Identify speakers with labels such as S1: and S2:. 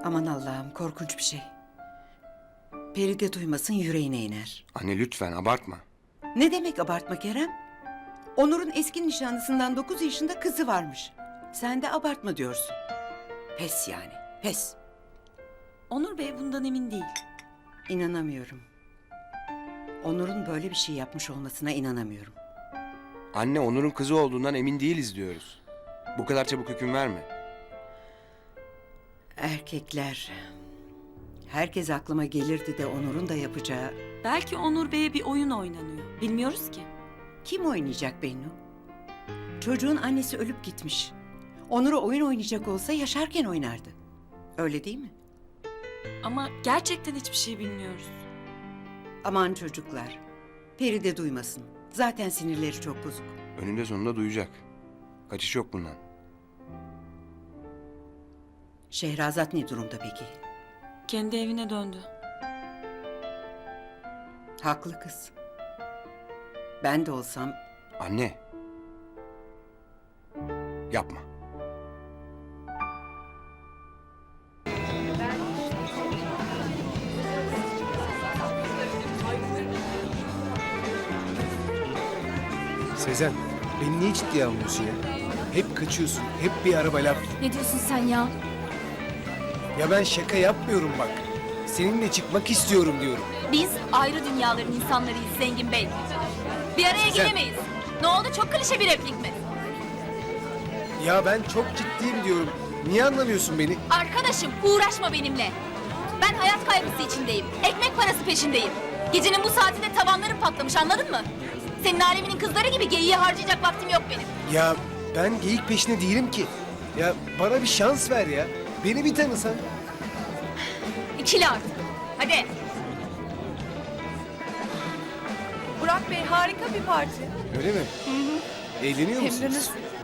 S1: Aman Allah'ım, korkunç bir şey. Feride duymasın, yüreğine iner.
S2: Anne lütfen abartma.
S1: Ne demek abartma Kerem? Onur'un eski nişanlısından 9 yaşında kızı varmış. Sen de abartma diyorsun. Pes yani, pes.
S3: Onur Bey bundan emin değil.
S1: İnanamıyorum. Onur'un böyle bir şey yapmış olmasına inanamıyorum.
S2: Anne Onur'un kızı olduğundan emin değiliz diyoruz. Bu kadar çabuk hüküm verme.
S1: Erkekler... Herkes aklıma gelirdi de Onur'un da yapacağı...
S3: Belki Onur Bey'e bir oyun oynanıyor. Bilmiyoruz ki.
S1: Kim oynayacak Bennu? Çocuğun annesi ölüp gitmiş. Onur'a oyun oynayacak olsa yaşarken oynardı. Öyle değil mi?
S3: Ama gerçekten hiçbir şey bilmiyoruz.
S1: Aman çocuklar. Feride duymasın. Zaten sinirleri çok bozuk.
S2: Önünde sonunda duyacak. Kaçış yok bundan.
S1: Şehrazat ne durumda peki?
S3: Kendi evine döndü.
S1: Haklı kız. Ben de olsam
S2: Anne. Yapma.
S4: Sezen, beni niye ciddiye almıyorsun ya? Hep kaçıyorsun, hep bir araba laf.
S5: Ne diyorsun sen ya?
S4: Ya ben şaka yapmıyorum bak. Seninle çıkmak istiyorum diyorum.
S5: Biz ayrı dünyaların insanlarıyız Zengin Bey. Bir araya
S4: Sen-
S5: gelemeyiz. Ne oldu, çok klişe bir replik mi?
S4: Ya ben çok ciddiyim diyorum. Niye anlamıyorsun beni?
S5: Arkadaşım uğraşma benimle. Ben hayat kaygısı içindeyim. Ekmek parası peşindeyim. Gecenin bu saatinde tavanlarım patlamış, anladın mı? Senin aleminin kızları gibi geyiği harcayacak vaktim yok benim.
S4: Ya ben geyik peşinde değilim ki. Ya bana bir şans ver ya. Beni bir tanısan.
S5: İkili artık. Hadi.
S6: Burak Bey harika bir parti.
S4: Öyle mi? Eğleniyor
S6: Hem de
S4: musunuz?
S6: nasıl?